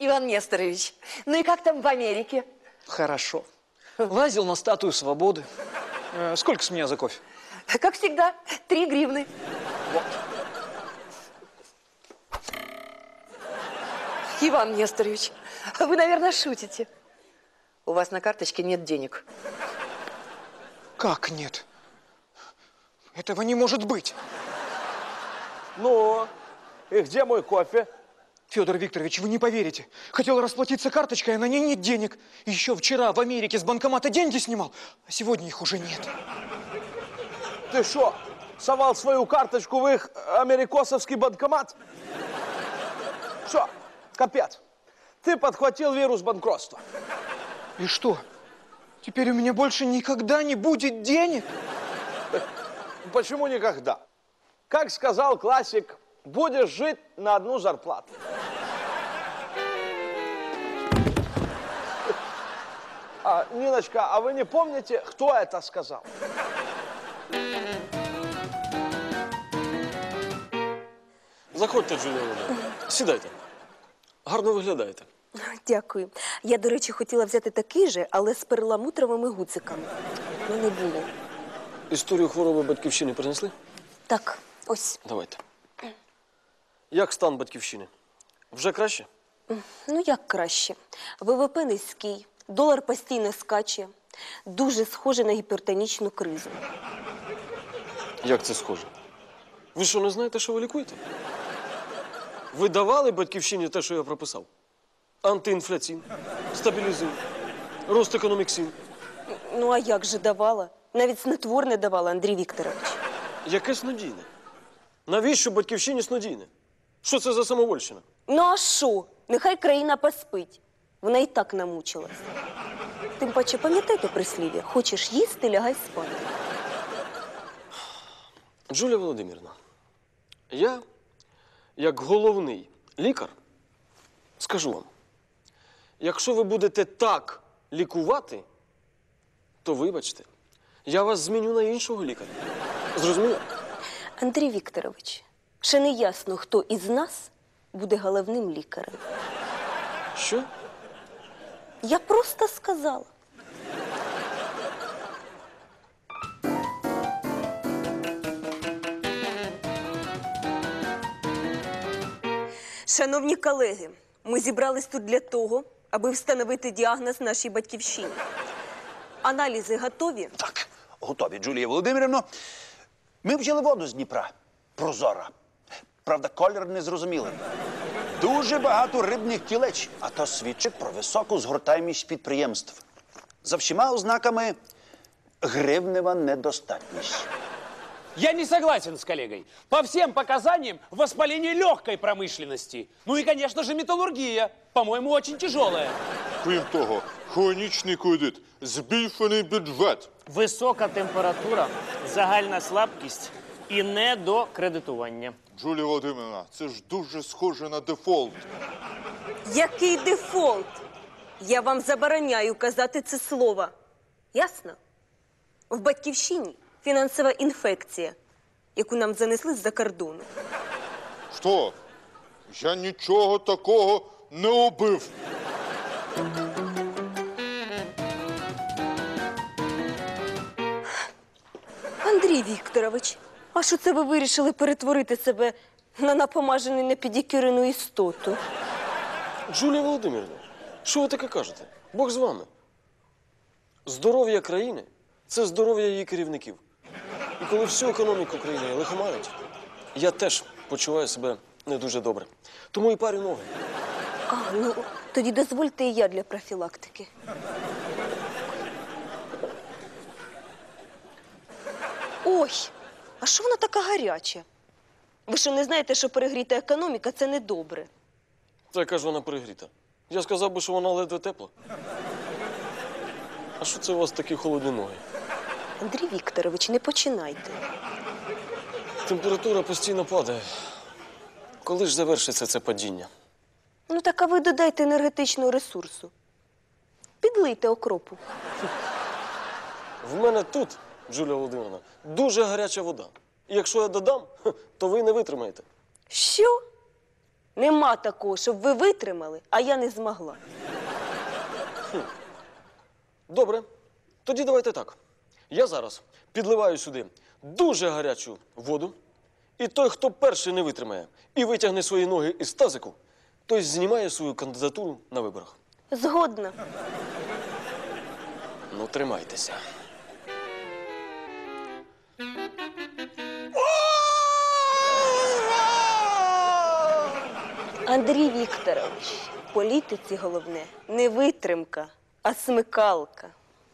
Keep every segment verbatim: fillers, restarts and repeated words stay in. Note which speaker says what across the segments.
Speaker 1: Иван Несторович, ну и как там в Америке?
Speaker 2: Хорошо. Лазил на статую свободы. Э, сколько с меня за кофе?
Speaker 1: Как всегда, три гривны.
Speaker 2: Вот.
Speaker 1: Иван Несторович, вы, наверное, шутите. У вас на карточке нет денег.
Speaker 2: Как нет? Этого не может быть.
Speaker 3: Ну, и где мой кофе?
Speaker 2: Федор Викторович, вы не поверите. Хотел расплатиться карточкой, а на ней нет денег. Еще вчера в Америке с банкомата деньги снимал, а сегодня их уже нет.
Speaker 3: Ты что, совал свою карточку в их америкосовский банкомат? Что, капец, ты подхватил вирус банкротства.
Speaker 2: И что? Теперь у меня больше никогда не будет денег?
Speaker 3: Почему никогда? Как сказал классик, будешь жить на одну зарплату. А, Ниночка, а вы не помните, кто это сказал?
Speaker 4: Заходьте, Джулія Володимирівна. Сідайте. Гарно виглядаєте.
Speaker 5: Дякую. Я, до речі, хотіла взяти такий же, але з перламутровими гудзиками. Ну, не було.
Speaker 4: Історію хвороби батьківщини принесли?
Speaker 5: Так, ось.
Speaker 4: Давайте. Як стан батьківщини? Вже краще?
Speaker 5: Ну, як краще. ВВП низький, долар постійно скаче. Дуже схоже на гіпертонічну кризу.
Speaker 4: Як це схоже? Ви що, не знаєте, що ви лікуєте? Ви давали батьківщині те, що я прописав? Антиінфляційн, стабілізин, рост економіксин.
Speaker 5: Ну, а як же давала? Навіть снотворне давала, Андрій Вікторович.
Speaker 4: Яке снодійне? Навіщо батьківщині снодійне? Що це за самовольщина?
Speaker 5: Ну, а що? Нехай країна поспить. Вона і так намучилась. Тим паче, пам'ятайте прислів'я? Хочеш їсти, лягай спати.
Speaker 4: Джулія Володимирівна, я, як головний лікар, скажу вам, якщо ви будете так лікувати, то вибачте, я вас зміню на іншого лікаря. Зрозуміло?
Speaker 5: Андрій Вікторович, ще не ясно, хто із нас буде головним лікарем.
Speaker 4: Що?
Speaker 5: Я просто сказала. Шановні колеги, ми зібрались тут для того, аби встановити діагноз нашій батьківщині. Аналізи готові?
Speaker 6: Так, готові, Джулія Володимирівна. Ми взяли воду з Дніпра. Прозора. Правда, колір незрозумілий. Дуже багато рибних кілеч, а то свідчить про високу згортаємість підприємств. За всіма ознаками гривнева недостатність.
Speaker 7: Я не согласен с коллегой. По всем показаниям воспаление легкой промышленности. Ну и, конечно же, металлургия. По-моему, очень тяжелая.
Speaker 8: Крім того, хронічний кредит, збільшений бюджет.
Speaker 9: Висока температура, загальна слабкість і недокредитування.
Speaker 8: Джулія Володимирівна, це ж дуже схоже на дефолт.
Speaker 5: Який дефолт? Я вам забороняю казати це слово. Ясно? В батьківщині фінансова інфекція, яку нам занесли з-за кордону.
Speaker 8: Що? Я нічого такого не робив.
Speaker 5: Андрій Вікторович, а що це ви вирішили перетворити себе на напомажену непідікюрену істоту?
Speaker 4: Джулія Володимирівна, що ви таке кажете? Бог з вами. Здоров'я країни – це здоров'я її керівників. І коли всю економіку країни лихоманить, я теж почуваю себе не дуже добре. Тому і парю ноги.
Speaker 5: А, ну, тоді дозвольте і я для профілактики. Ой, а що вона така гаряча? Ви що, не знаєте, що перегріта економіка – це недобре?
Speaker 4: Та яка ж вона перегріта? Я сказав би, що вона ледве тепла. А що це у вас такі холодні ноги?
Speaker 5: Андрій Вікторович, не починайте.
Speaker 4: Температура постійно падає. Коли ж завершиться це падіння?
Speaker 5: Ну так а ви додайте енергетичного ресурсу. Підлийте окропу.
Speaker 4: В мене тут, Джулія Володимирівна, дуже гаряча вода. І якщо я додам, то ви не витримаєте.
Speaker 5: Що? Нема такого, щоб ви витримали, а я не змогла.
Speaker 4: Добре. Тоді давайте так. Я зараз підливаю сюди дуже гарячу воду, і той, хто перший не витримає і витягне свої ноги із тазику, той знімає свою кандидатуру на виборах.
Speaker 5: Згодна.
Speaker 4: Ну, тримайтеся.
Speaker 5: Андрій Вікторович, в політиці головне не витримка, а смикалка.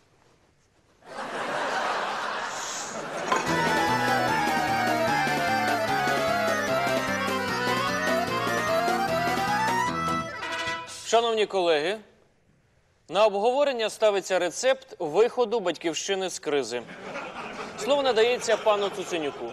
Speaker 9: Шановні колеги, на обговорення ставиться рецепт виходу батьківщини з кризи. Слово надається пану Цуценюку.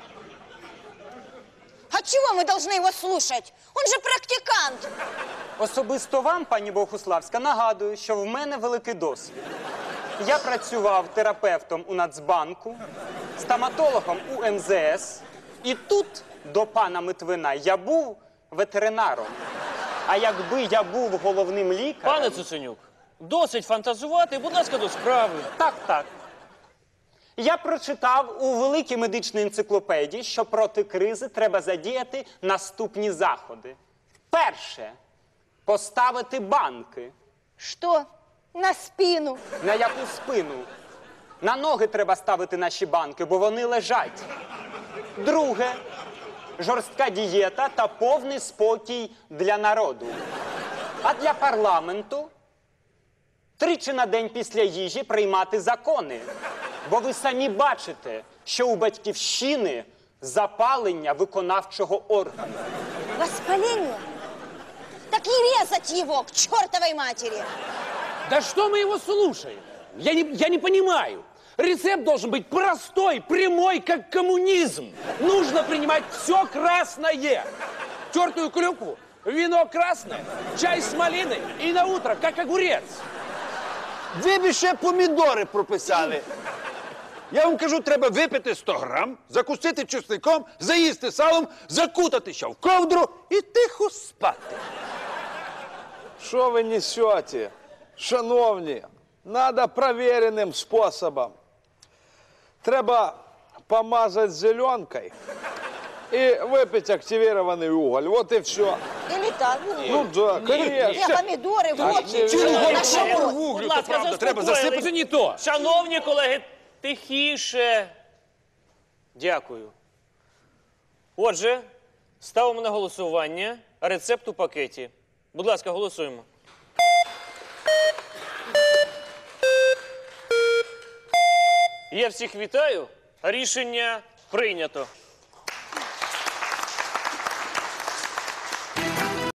Speaker 10: А чего мы должны его слушать? Он же практикант.
Speaker 11: Особисто вам, пані Богуславська, нагадую, що в мене великий досвід. Я працював терапевтом у Нацбанку, стоматологом у ем зе ес, і тут, до пана Митвина, я був ветеринаром. А якби я був головним лікарем...
Speaker 9: Пане Цуценюк, досить фантазувати, будь ласка, до справи.
Speaker 11: Так, так. Я прочитав у великій медичній енциклопедії, що проти кризи треба задіяти наступні заходи. Перше – поставити банки.
Speaker 10: Что? На спину.
Speaker 11: На яку спину? На ноги треба ставити наші банки, бо вони лежать. Друге – жорстка дієта та повний спокій для народу. А для парламенту – тричі на день після їжі приймати закони. Бо ви самі бачите, що у Батьківщини запалення виконавчого органу.
Speaker 10: Воспаление? Так и резать его к чертовой матери.
Speaker 7: Да что мы его слушаем? Я не, я не понимаю. Рецепт должен быть простой, прямой, как коммунизм. Нужно принимать все красное. Тертую клюкву, вино красное, чай с малиной и на утро, как огурец.
Speaker 6: Ви б ще помідори прописали. Я вам кажу, треба випити сто грам, закусити чесником, заїсти салом, закутатися в ковдру і тихо спати.
Speaker 3: Що ви несете? Шановні, надо проверенным способом. Треба помазать зеленкой и выпить активированный уголь. Вот и все.
Speaker 10: Или так.
Speaker 3: Ну да,
Speaker 10: Я
Speaker 3: конечно.
Speaker 10: помидоры, вот.
Speaker 3: Активированный
Speaker 10: На шампунь.
Speaker 7: Вуглю,
Speaker 9: Будь ласка,
Speaker 7: правда, треба засипати. Це не то.
Speaker 9: Шановні колеги, тихіше. Дякую. Отже, ставимо на голосування рецепт у пакеті. Будь ласка, голосуємо. Я всіх вітаю. Рішення прийнято.